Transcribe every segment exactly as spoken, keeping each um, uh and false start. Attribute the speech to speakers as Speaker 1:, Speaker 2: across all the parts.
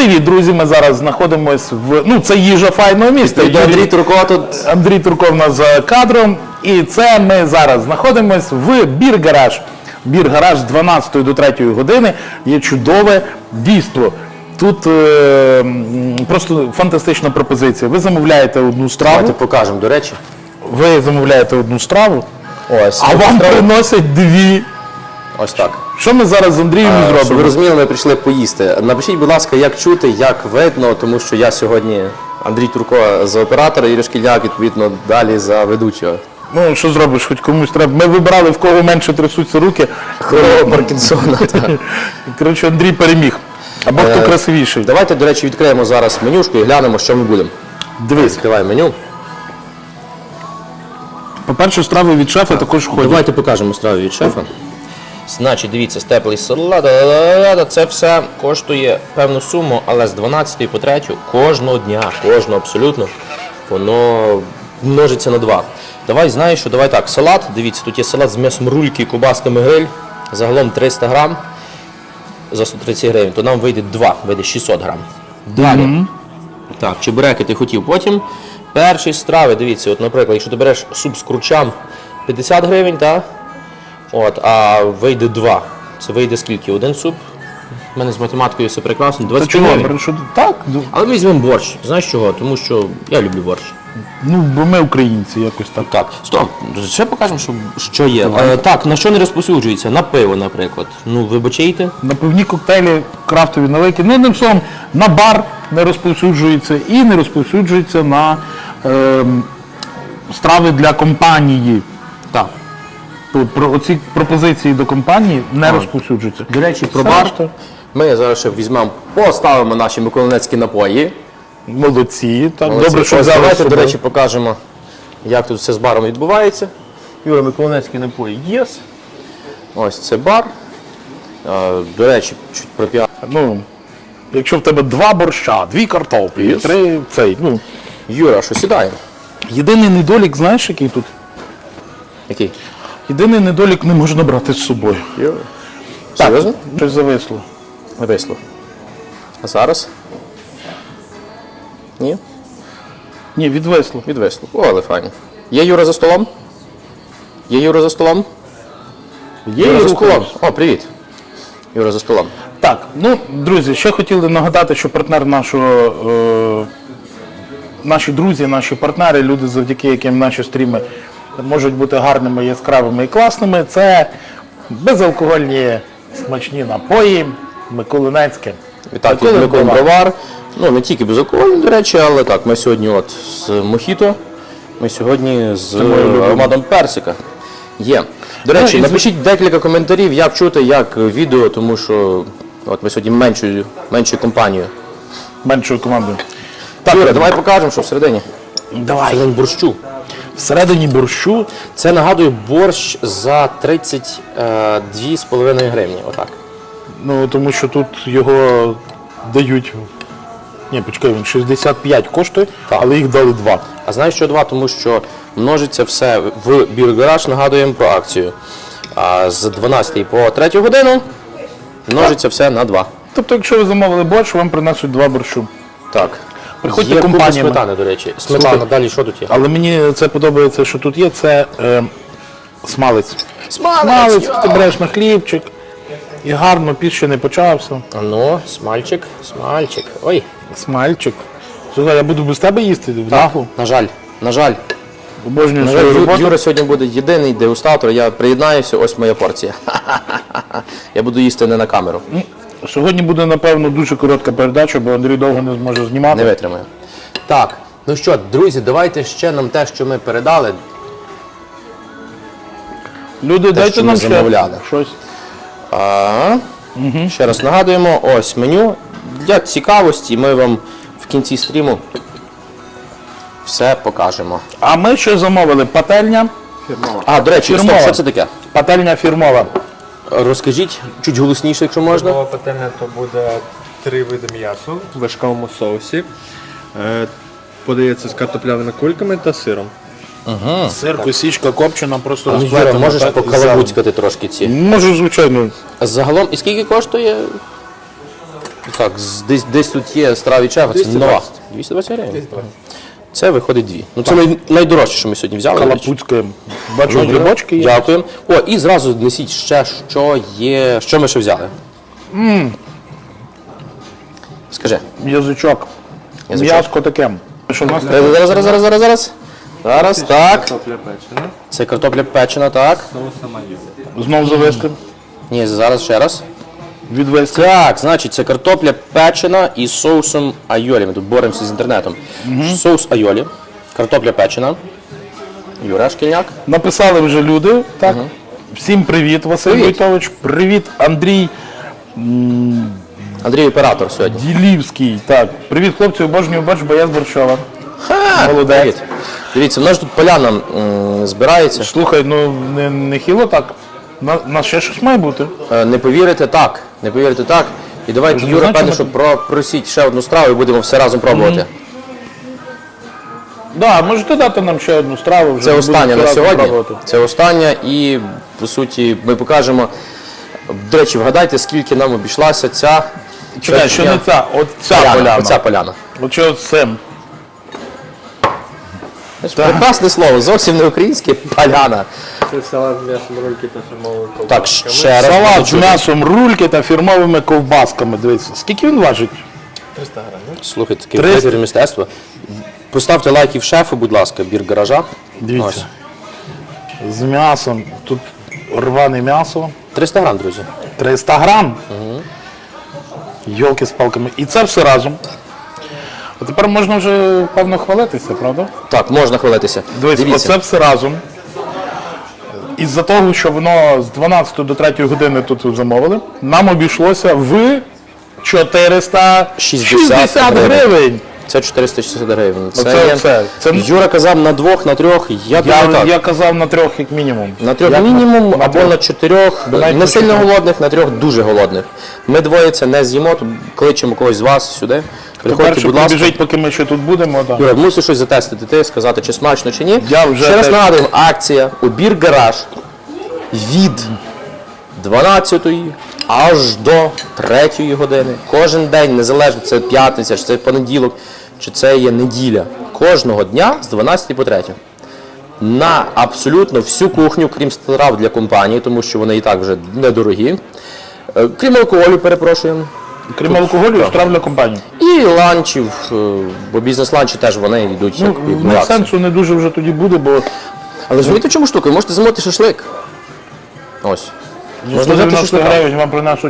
Speaker 1: Привіт, друзі! Ми зараз знаходимося в... Ну, це їжа файного міста.
Speaker 2: І Андрій Турко тут.
Speaker 1: Андрій Турко в нас за кадром. І це ми зараз знаходимося в Бір-гараж. Бір-гараж з дванадцятої до третьої години. Є чудове дійство. Тут е, просто фантастична пропозиція. Ви замовляєте одну страву.
Speaker 2: Давайте покажемо, до речі.
Speaker 1: Ви замовляєте одну страву,
Speaker 2: Ось.
Speaker 1: а вам
Speaker 2: страва.
Speaker 1: приносять дві.
Speaker 2: Ось так.
Speaker 1: Що ми зараз з Андрієм
Speaker 2: А,
Speaker 1: зробимо?
Speaker 2: щоб ви розуміли, ми прийшли поїсти. Напишіть, будь ласка, як чути, як видно, тому що я сьогодні Андрій Турко за оператора, Юрій Шкільняк, відповідно, далі за ведучого.
Speaker 1: Ну, що зробиш, хоч комусь треба. Ми вибирали, в кого менше трясуться руки.
Speaker 2: Хворого Паркінсона. так.
Speaker 1: Коротше, Андрій переміг. Або хто
Speaker 2: Е,
Speaker 1: красивіший.
Speaker 2: Давайте, до речі, відкриємо зараз менюшку і глянемо, що ми будемо.
Speaker 1: Дивись.
Speaker 2: Відкриваємо меню.
Speaker 1: По-перше, страви від шефа також ходять.
Speaker 2: Давайте покажемо страву від шефа. Значить, дивіться, степлий салат, ла-ла-ла-ла, це все коштує певну суму, але з дванадцятої по третю кожного дня, кожного абсолютно, воно множиться на два. Давай, знаєш що, давай так, салат, дивіться, тут є салат з м'ясом рульки, кубасками гриль, загалом триста грам за сто тридцять гривень, то нам вийде два, вийде шістсот грам. Далі. Mm-hmm. Так, чебуреки ти хотів потім. Перші страви, дивіться, от, наприклад, якщо ти береш суп з кручам п'ятдесят гривень, так? От, а вийде два. Це вийде скільки? Один суп? У мене з математикою все прекрасно. двадцять
Speaker 1: чого?
Speaker 2: гривень.
Speaker 1: Що... Так?
Speaker 2: Але ми візьмемо борщ. Знаєш чого? Тому що я люблю борщ.
Speaker 1: Ну, бо ми українці якось так.
Speaker 2: Так, стоп, ще покажемо, що, що є. Е, так, на що не розповсюджується? На пиво, наприклад. Ну, вибачайте.
Speaker 1: На пивні коктейлі, крафтові наливки. Ну, одним словом, на бар не розповсюджується і не розповсюджується на е, страви для компанії.
Speaker 2: Так.
Speaker 1: Тут про оці пропозиції до компанії не
Speaker 2: А.
Speaker 1: розповсюджуються.
Speaker 2: До речі, про
Speaker 1: Все
Speaker 2: бар.
Speaker 1: решта.
Speaker 2: Ми зараз ще візьмемо, поставимо наші миколинецькі напої.
Speaker 1: Молодці. Так,
Speaker 2: Молодці.
Speaker 1: добре, що
Speaker 2: Ось
Speaker 1: взяли з
Speaker 2: давайте, до
Speaker 1: собою.
Speaker 2: речі, покажемо, як тут все з баром відбувається. Юра, миколинецькі напої є. Ось це бар. А, до речі, чуть про піар.
Speaker 1: Ну, якщо в тебе два борща, дві картоплі,
Speaker 2: Yes.
Speaker 1: три цей, ну.
Speaker 2: Юра, що сідаємо?
Speaker 1: Єдиний недолік, знаєш, який тут?
Speaker 2: Який?
Speaker 1: Єдиний недолік не можна брати з собою.
Speaker 2: Юра.
Speaker 1: Так,
Speaker 2: Серйозно?
Speaker 1: щось зависло.
Speaker 2: Висло. А зараз? Ні?
Speaker 1: Ні, відвисло.
Speaker 2: Відвисло. О, але файно. Є Юра за столом? Є Юра за столом?
Speaker 1: Є
Speaker 2: Юра
Speaker 1: і
Speaker 2: за столом.
Speaker 1: рухаємось.
Speaker 2: О, привіт. Юра за столом.
Speaker 1: Так, ну, друзі, ще хотіли нагадати, що партнер нашого, е, наші друзі, наші партнери, люди, завдяки яким наші стріми можуть бути гарними, яскравими і класними, це безалкогольні смачні напої, Миколинецьке.
Speaker 2: І так,
Speaker 1: Миколин
Speaker 2: Миколин
Speaker 1: Бровар.
Speaker 2: Бровар. Ну, не тільки безалкогольний, до речі, але так, ми сьогодні от з мохіто, ми сьогодні з ароматом персика. Є. До речі,
Speaker 1: Ну, і з-
Speaker 2: напишіть декілька коментарів, як чути, як відео, тому що от ми сьогодні меншою, меншою компанією.
Speaker 1: Меншою командою.
Speaker 2: Так, Юра, давай покажемо, що всередині.
Speaker 1: Давай.
Speaker 2: Всередині борщу.
Speaker 1: Всередині борщу
Speaker 2: Це, нагадую, борщ за тридцять дві з половиною гривні. Отак.
Speaker 1: Ну, тому що тут його дають. Ні, почекай, він шістдесят п'ять коштує,
Speaker 2: Так.
Speaker 1: але їх дали два.
Speaker 2: А знаєш, що два? Тому що множиться все в Бір-гараж, нагадуємо про акцію. А з дванадцятої по третю годину множиться все на два.
Speaker 1: Тобто, якщо ви замовили борщ, вам принесуть два борщу.
Speaker 2: Так.
Speaker 1: Приходьте
Speaker 2: Є купа
Speaker 1: компаніями.
Speaker 2: сметани, до речі. Сметана,
Speaker 1: Слухай.
Speaker 2: далі що тут є?
Speaker 1: Але мені це подобається, що тут є, це е, смалець.
Speaker 2: Смалець,
Speaker 1: Смалець,
Speaker 2: йо!
Speaker 1: ти береш на хлібчик, і гарно, піс ще не почався.
Speaker 2: А ну, смальчик, смальчик. Ой,
Speaker 1: Смальчик. Слухай, я буду без тебе їсти в наглу.
Speaker 2: на жаль, на жаль.
Speaker 1: Обожнюю
Speaker 2: На жаль,
Speaker 1: свою
Speaker 2: Ю-
Speaker 1: роботу.
Speaker 2: Юра сьогодні буде єдиний дегустатор, я приєднаюся, ось моя порція. Я буду їсти не на камеру,
Speaker 1: Сьогодні буде, напевно, дуже коротка передача, бо Андрій довго не зможе знімати.
Speaker 2: не витримаю. Так, ну що, друзі, давайте ще нам те, що ми передали.
Speaker 1: Люди, дайте
Speaker 2: що
Speaker 1: нам
Speaker 2: ми
Speaker 1: ще
Speaker 2: замовляли.
Speaker 1: щось.
Speaker 2: А, Ще раз нагадуємо, ось меню. Для цікавості ми вам в кінці стріму все покажемо.
Speaker 1: А ми ще замовили пательня.
Speaker 2: А, до речі,
Speaker 1: Фірмова.
Speaker 2: стоп, що це таке?
Speaker 1: Пательня фірмова.
Speaker 2: Розкажіть чуть голосніше, якщо можна.
Speaker 3: Нова пательня то буде три види м'ясу в вершковому соусі. Е, Подається з картопляними кульками та сиром.
Speaker 1: Сир, косічка, копчена, просто
Speaker 2: Ну, Юра,
Speaker 1: розплетена.
Speaker 2: можеш
Speaker 1: так, і
Speaker 2: покалабуцькати трошки ці.
Speaker 1: зелень. Можу, звичайно.
Speaker 2: Загалом, і скільки коштує? Так, з- десь, десь тут є страва від шефа, це нова. двісті двадцять гривень. Це виходить дві. Ну це най, найдорожче, що ми сьогодні взяли. до речі.
Speaker 1: Калапуцьке. Бачу, грибочки є.
Speaker 2: Дякуємо. О, і зразу несіть ще, що є. Що ми ще взяли? Скажи.
Speaker 1: Язичок.
Speaker 2: Язичок.
Speaker 1: М'яско таке. Що в нас таке?
Speaker 2: Зараз, зараз, зараз, зараз, зараз. Зараз, так.
Speaker 3: Картопля печена,
Speaker 2: Це картопля печена, так.
Speaker 3: соуса майонез.
Speaker 1: Знов завести.
Speaker 2: Ні, зараз ще раз.
Speaker 1: Відвести.
Speaker 2: Так, значить, це картопля печена із соусом айолі. Ми тут боремося з інтернетом. Соус айолі, картопля печена. Юра Шкільняк.
Speaker 1: Написали вже люди. Так. Всім привіт, Василь
Speaker 2: Привіт.
Speaker 1: Войтович. Привіт, Андрій
Speaker 2: Андрій оператор сьогодні.
Speaker 1: Ділівський. Так. Привіт, хлопці, обожнюю борщ, бо я з Борщова.
Speaker 2: Ха,
Speaker 1: Молодець.
Speaker 2: привіт. Дивіться, в нас тут поляна м, збирається.
Speaker 1: Слухай, ну не, не хіло так. На, на ще щось має бути.
Speaker 2: Е, Не повірите так. Не повірите так. І давайте,
Speaker 1: Вже
Speaker 2: Юра,
Speaker 1: знаєте,
Speaker 2: певне,
Speaker 1: ми-
Speaker 2: що про, просіть ще одну страву і будемо все разом пробувати.
Speaker 1: Да, можете дати нам ще одну страву. Вже
Speaker 2: Це
Speaker 1: будемо
Speaker 2: остання на
Speaker 1: разом
Speaker 2: сьогодні.
Speaker 1: пробувати.
Speaker 2: Це остання і, по суті, ми покажемо. До речі, вгадайте, скільки нам обійшлася ця
Speaker 1: Чекай, що не ця, от ця
Speaker 2: поляна.
Speaker 1: поляна.
Speaker 2: Оця поляна.
Speaker 1: От що з цим.
Speaker 2: Прекрасне слово, зовсім не українське поляна.
Speaker 3: Це салат з м'ясом, рульки та фірмовою ковбасками.
Speaker 2: Так, ще раз.
Speaker 1: Салат з
Speaker 2: почули.
Speaker 1: м'ясом рульки та фірмовими ковбасками. Дивіться, скільки він важить?
Speaker 3: триста грамів.
Speaker 2: Слухайте, таке
Speaker 1: триста.
Speaker 2: витвір мистецтва. Поставте лайків шефу, будь ласка, бір гаража.
Speaker 1: Дивіться. З м'ясом. Тут рване м'ясо.
Speaker 2: триста грам, друзі.
Speaker 1: триста грам. Йолки з палками. І це все разом. А тепер можна вже, певно, хвалитися, правда?
Speaker 2: Так, можна хвалитися.
Speaker 1: Дивіться,
Speaker 2: Дивіться.
Speaker 1: оце все разом. Із-за того, що воно з дванадцятої до третьої години тут замовили, нам обійшлося в чотириста шістдесят гривень.
Speaker 2: Це чотириста шістдесят гривень. Це,
Speaker 1: Оце
Speaker 2: є...
Speaker 1: все. Це-
Speaker 2: Юра казав на двох, на трьох. Я, думаю,
Speaker 1: Я,
Speaker 2: так.
Speaker 1: я казав на трьох як мінімум.
Speaker 2: На трьох
Speaker 1: Як
Speaker 2: мінімум
Speaker 1: на
Speaker 2: або
Speaker 1: трьох?
Speaker 2: на чотирьох.
Speaker 1: навіть
Speaker 2: Не
Speaker 1: на
Speaker 2: сильно
Speaker 1: чотирьох.
Speaker 2: голодних, на трьох дуже голодних. Ми двоє це не з'їмо, то кличемо когось з вас сюди. Приходьте,
Speaker 1: Перше
Speaker 2: будь ласка.
Speaker 1: побіжить, поки ми ще тут будемо. Да.
Speaker 2: Юра, мусиш щось затестити, ти сказати, чи смачно, чи ні.
Speaker 1: Я вже
Speaker 2: Ще раз
Speaker 1: теж-
Speaker 2: нагадуємо, акція «Обір гараж» від дванадцятої аж до третьої години. Кожен день, незалежно, це п'ятниця, чи це понеділок, чи це є неділя. Кожного дня з дванадцятої по третю. На абсолютно всю кухню, крім страв для компанії, тому що вони і так вже недорогі. Е, Крім алкоголю, перепрошуємо.
Speaker 1: Крім алкоголю, страв для компанії.
Speaker 2: І ланчів, е, бо бізнес-ланчі теж вони йдуть як,
Speaker 1: Ну,
Speaker 2: як
Speaker 1: ну,
Speaker 2: в акції.
Speaker 1: сенсу не дуже вже тоді буде, бо
Speaker 2: Але розумієте, в чому штука? Ви можете замовити шашлик. Ось. Можна
Speaker 1: сто
Speaker 2: взяти
Speaker 1: дев'яносто
Speaker 2: шашлика.
Speaker 1: гривень вам принесуть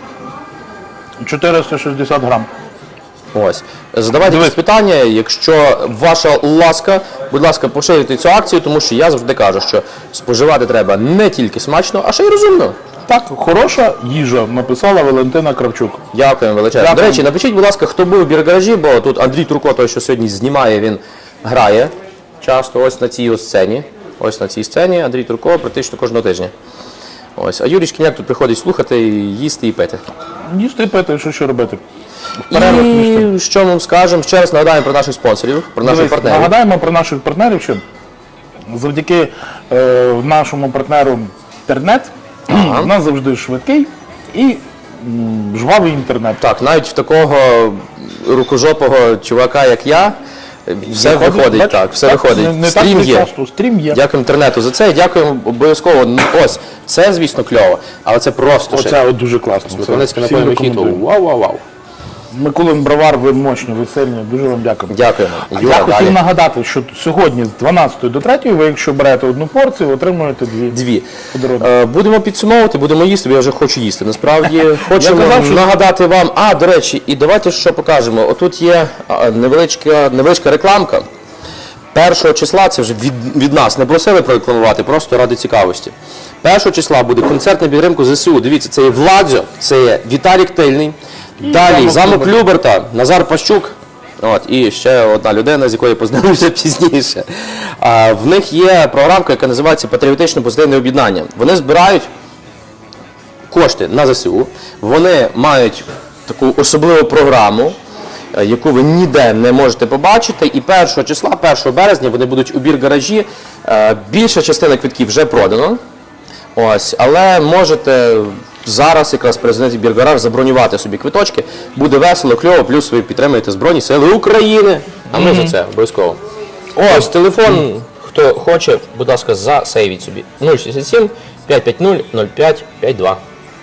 Speaker 1: чотириста шістдесят грам.
Speaker 2: Ось. Задавайте
Speaker 1: Дивись.
Speaker 2: якісь питання, якщо ваша ласка, будь ласка, поширюйте цю акцію, тому що я завжди кажу, що споживати треба не тільки смачно, а ще й розумно.
Speaker 1: Так, хороша їжа, написала Валентина Кравчук.
Speaker 2: Дякуємо величезно.
Speaker 1: Дякую.
Speaker 2: До речі, напишіть, будь ласка, хто був у біргаражі, бо тут Андрій Турко, той, що сьогодні знімає, він грає часто ось на цій ось сцені. Ось на цій сцені Андрій Турко практично кожного тижня. Ось. А Юрій Шкільняк тут приходить слухати, їсти і пити.
Speaker 1: Їсти і пити, що ще робити. В перервах між тим.
Speaker 2: І що ми скажемо? Ще раз нагадаємо про наших спонсорів, про наших
Speaker 1: Дивись,
Speaker 2: партнерів.
Speaker 1: нагадаємо про наших партнерів, що завдяки е, нашому партнеру інтернет у нас завжди швидкий і м, жвавий інтернет.
Speaker 2: Так, навіть в такого рукожопого чувака, як я, все
Speaker 1: Виходить,
Speaker 2: виходить,
Speaker 1: бач?
Speaker 2: так, все
Speaker 1: Так,
Speaker 2: виходить.
Speaker 1: не- не
Speaker 2: Стрім
Speaker 1: так
Speaker 2: є.
Speaker 1: часто, стрім є.
Speaker 2: Дякуємо інтернету за це, дякуємо обов'язково. Ну, ось, це, звісно, кльово, але це просто ще.
Speaker 1: Оце от дуже класно. Це
Speaker 2: Миколаївське
Speaker 1: всім
Speaker 2: напоєве хіту.
Speaker 1: рекомендую.
Speaker 2: Вау-вау-вау.
Speaker 1: Микулин Бровар, ви мощні, ви сильні, дуже вам дякую.
Speaker 2: Дякуємо.
Speaker 1: А
Speaker 2: Юра,
Speaker 1: я хотів
Speaker 2: далі.
Speaker 1: нагадати, що сьогодні з дванадцятої до третьої ви, якщо берете одну порцію, отримуєте дві.
Speaker 2: Дві.
Speaker 1: Подарунок.
Speaker 2: Е, будемо підсумовувати, будемо їсти, бо я вже хочу їсти. Насправді хочемо
Speaker 1: казав, що-
Speaker 2: нагадати вам. А, до речі, і давайте що покажемо. Отут є а, невеличка, невеличка рекламка. Першого числа, це вже від, від нас, не просили прорекламувати, просто ради цікавості. Першого числа буде концерт на підтримку ЗСУ. Дивіться, це є Владзо, це є Віталік Тильний. Далі
Speaker 1: Замок
Speaker 2: замок
Speaker 1: Люберта.
Speaker 2: Люберта, Назар Пащук. От, і ще одна людина, з якою познайомився пізніше. А, в них є програмка, яка називається Патріотичне позитивне об'єднання. Вони збирають кошти на ЗСУ, вони мають таку особливу програму, е, яку ви ніде не можете побачити. І першого числа, першого березня, вони будуть у бір-гаражі. Е, Більша частина квитків вже продано. Ось, але можете зараз якраз президент Біргараж забронювати собі квиточки. Буде весело, кльово, плюс ви підтримуєте Збройні Сили України. А ми за це обов'язково. Ось телефон, хто хоче, будь ласка, засейвіть собі. нуль шістдесят сім п'ятсот п'ятдесят нуль п'ять п'ятдесят два.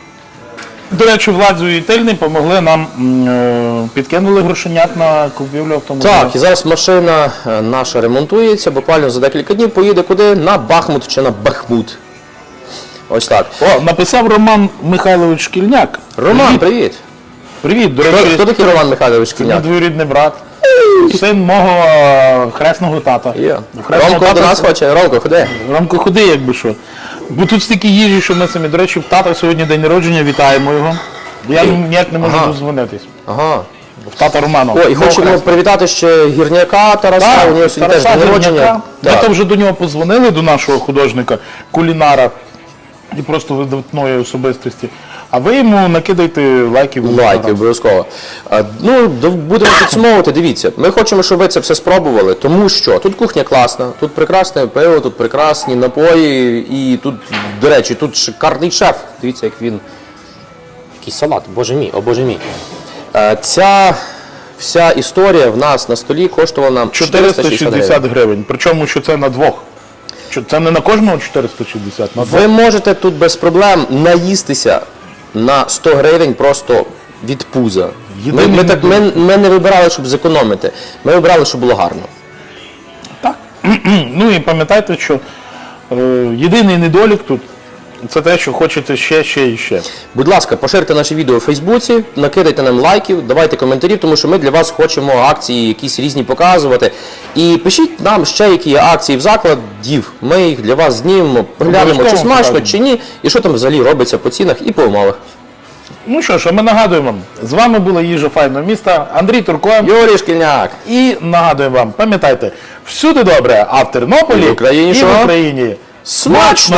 Speaker 1: До речі, Владзу і Тильний помогли нам, м, е, підкинули грошенят на купівлю автомобіля.
Speaker 2: Так, і зараз машина е, наша ремонтується, буквально за декілька днів поїде куди? На Бахмут чи на Бахмут. Ось так.
Speaker 1: О, написав Роман Михайлович Шкільняк.
Speaker 2: Роман, привіт.
Speaker 1: Привіт, до
Speaker 2: Хто,
Speaker 1: речі,
Speaker 2: хто такий Роман Михайлович
Speaker 1: це мій
Speaker 2: Шкільняк?
Speaker 1: двоюрідний брат. Син мого е, хресного тата.
Speaker 2: Є.
Speaker 1: Хресного
Speaker 2: Ромко до
Speaker 1: тата-
Speaker 2: нас хоче. Ромко, ходи.
Speaker 1: Ромко, ходи, якби що. Бо тут стільки їжі, що ми самі. До речі, в тата сьогодні день народження, вітаємо його. Я ніяк не можу
Speaker 2: Ага.
Speaker 1: дозвонитись.
Speaker 2: Ага.
Speaker 1: В тата Романа.
Speaker 2: О, і
Speaker 1: Мого
Speaker 2: хочемо
Speaker 1: хресного.
Speaker 2: привітати ще гірняка Тараса,
Speaker 1: Так,
Speaker 2: у нього сьогодні теж
Speaker 1: Тараса
Speaker 2: день народження.
Speaker 1: Гірняка. Ми
Speaker 2: Так.
Speaker 1: то вже до нього подзвонили, до нашого художника, кулінара і просто видатної особистості. А ви йому накидайте лайків. в
Speaker 2: Лайки,
Speaker 1: Інстаграм.
Speaker 2: обов'язково. А, Ну, до- будемо підсумовувати, дивіться. Ми хочемо, щоб ви це все спробували, тому що тут кухня класна, тут прекрасне пиво, тут прекрасні напої, і тут, до речі, тут шикарний шеф. Дивіться, як він. Який салат, боже мій, о боже мій. Е, Ця вся історія в нас на столі коштувала нам
Speaker 1: чотириста
Speaker 2: чотириста шістдесят
Speaker 1: шістдесят
Speaker 2: гривень.
Speaker 1: гривень. Причому, що це на двох. Що це не на кожного чотириста шістдесят, на двох.
Speaker 2: Ви можете тут без проблем наїстися на сто гривень просто від пуза. Ми,
Speaker 1: Єдиний
Speaker 2: ми, так, ми,
Speaker 1: недолік.
Speaker 2: ми не вибирали, щоб зекономити. Ми вибирали, щоб було гарно.
Speaker 1: Так. Ну і пам'ятайте, що е, єдиний недолік тут це те, що хочеться ще, ще і ще.
Speaker 2: Будь ласка, поширте наше відео у Фейсбуці, накидайте нам лайків, давайте коментарів, тому що ми для вас хочемо акції якісь різні показувати. І пишіть нам ще, які є акції в закладів. Ми їх для вас знімемо, поглянемо, чи
Speaker 1: Обов'язково
Speaker 2: смачно,
Speaker 1: покажемо.
Speaker 2: чи ні, і що там взагалі робиться по цінах і по умовах.
Speaker 1: Ну що ж, а ми нагадуємо, з вами була їжа файного міста, Андрій Турко.
Speaker 2: Юрій Шкільняк!
Speaker 1: І нагадуємо вам, пам'ятайте, всюди добре, а в Тернополі
Speaker 2: І в Україні
Speaker 1: і
Speaker 2: що?
Speaker 1: в Україні
Speaker 2: Смачно!